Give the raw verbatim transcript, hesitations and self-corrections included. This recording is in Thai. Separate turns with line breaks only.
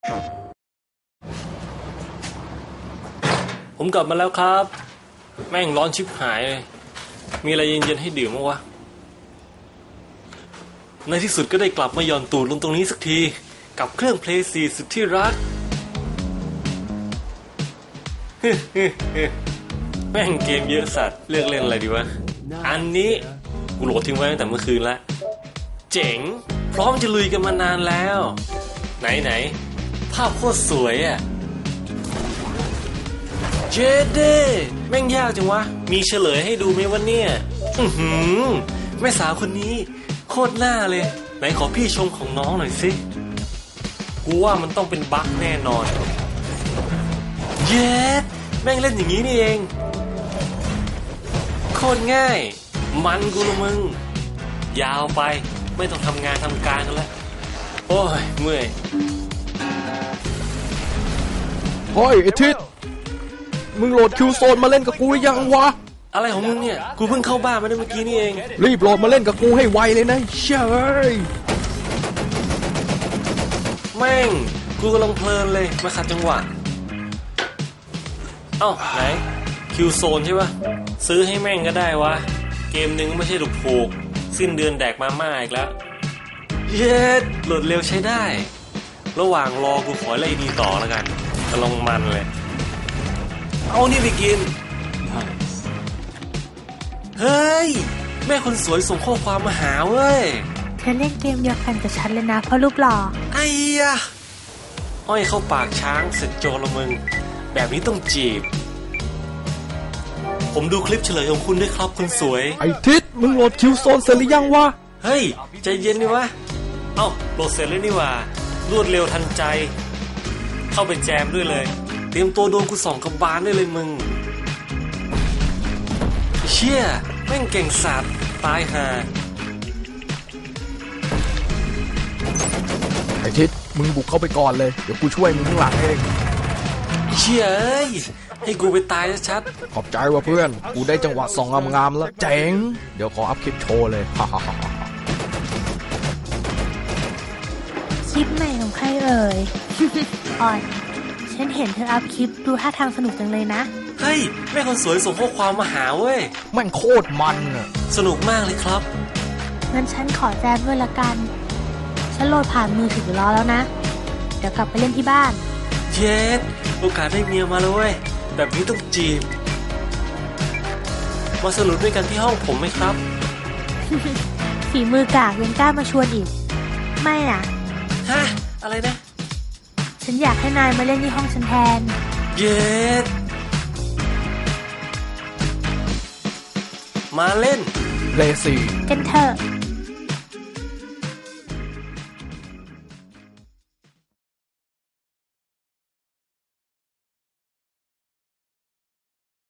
ผมกลับมาแล้วครับแม่งร้อนชิบหายเลยมีอะไรเย็นๆให้ดื่มมั้งวะในที่สุดก็ได้กลับมาหย่อนตูดลงตรงนี้สักทีกับเครื่องเพลย์สี่สุดที่รัก แม่งเกมเยอะสัตว์เลือกเล่นอะไรดีวะอันนี้กูโหลดทิ้งไว้ตั้งแต่เมื่อคืนละเจ๋งพร้อมจะลุยกันมานานแล้วไหนๆภาพโคตรสวยอ่ะเจเด้แม่งยากจังวะมีเฉลยให้ดูไหมวะเนี่ยอื้อหือแม่สาวคนนี้โคตรหน้าเลยไหนขอพี่ชมของน้องหน่อยสิกูว่ามันต้องเป็นบั๊กแน่นอนเย็ดแม่งเล่นอย่างนี้นี่เองโคตรง่ายมันกูละมึงยาวไปไม่ต้องทำงานทำการกันแล้วโอ้ยเมื่อย
เฮ้ยไอ้ทิศมึงโหลดคิวโซนมาเล่นกับกูหรือยังวะ
อะไรของมึงเนี่ยกูเพิ่งเข้าบ้านมาได้เมื่อกี้นี่เอง
รีบโหลดมาเล่นกับกูให้ไวเลยนะเช่ย
แม่งกูกำลังเพลินเลยมาขัดจังหวะเอ้าไหนคิวโซนใช่ปะซื้อให้แม่งก็ได้วะเกมหนึ่งไม่ใช่ถูกๆสิ้นเดือนแดกมาม่าอีกแล้วเย็ดโหลดเร็วใช้ได้ระหว่างรอกูขอไล่ดีต่อแล้วกันกำลังมันเลยเอานี่ไปกินเฮ้ยแม่คนสวยส่งข้อความมาหาเว้ย
เธอเล่นเกมเดียวกันกับฉันเลยนะเพราะรูปหล่อ
ไอ้ยะอ้อยเข้าปากช้างเสร็จโจรละมึงแบบนี้ต้องจีบผมดูคลิปเฉลยของคุณด้วยครับคุณสวย
ไอ้ทิศมึงโหลดคิวโซนเสร็จหรือยังวะ
เฮ้ยใจเย็นดิวะเอ้าโหลดเสร็จแล้วนี่ว่ารวดเร็วทันใจเข้าไปแจมด้วยเลยเตรียมตัวโดนกูส่องกระบาลได้เลยมึงเชี่ยแม่งเก่งสัตว์ตายห่า
ไอ้ทิศมึงบุกเข้าไปก่อนเลยเดี๋ยวกูช่วยมึงข้างหลังเอง
เชี่ยเอ้ยให้กูไปตายชัด
ๆขอบใจว่ะเพื่อนกูได้จังหวะส่องงามๆแล้วเจ๋งเดี๋ยวขออัพคลิปโชว์เลยฮ่า
คลิปใหม่ของใครเอ่ย อ่อนฉันเห็นเธออัพคลิปดูท่าทางสนุกจังเลยนะ
เฮ้ยแม่คนสวยส่งข้อความมาหาเว้ย
แม่งโคตรมันอ่ะ
สนุกมากเลยครับ
งั้นฉันขอแจมด้วยละกันฉันโหลดผ่านมือถือรอแล้วนะเดี๋ยวกลับไปเล่นที่บ้าน
เย็ดโอกาสได้เมียมาแล้วเว้ยแบบนี้ต้องจีบมาสนุกด้วยกันที่ห้องผมไหมครับ
ฝีมือกากยังกล้ามาชวนอีกไม่นะ
ฮะอะไรนะ
ฉันอยากให้นายมาเล่นที่ห้องฉันแทน
เย็ดมาเล่น
เลซี่
กันเถอะ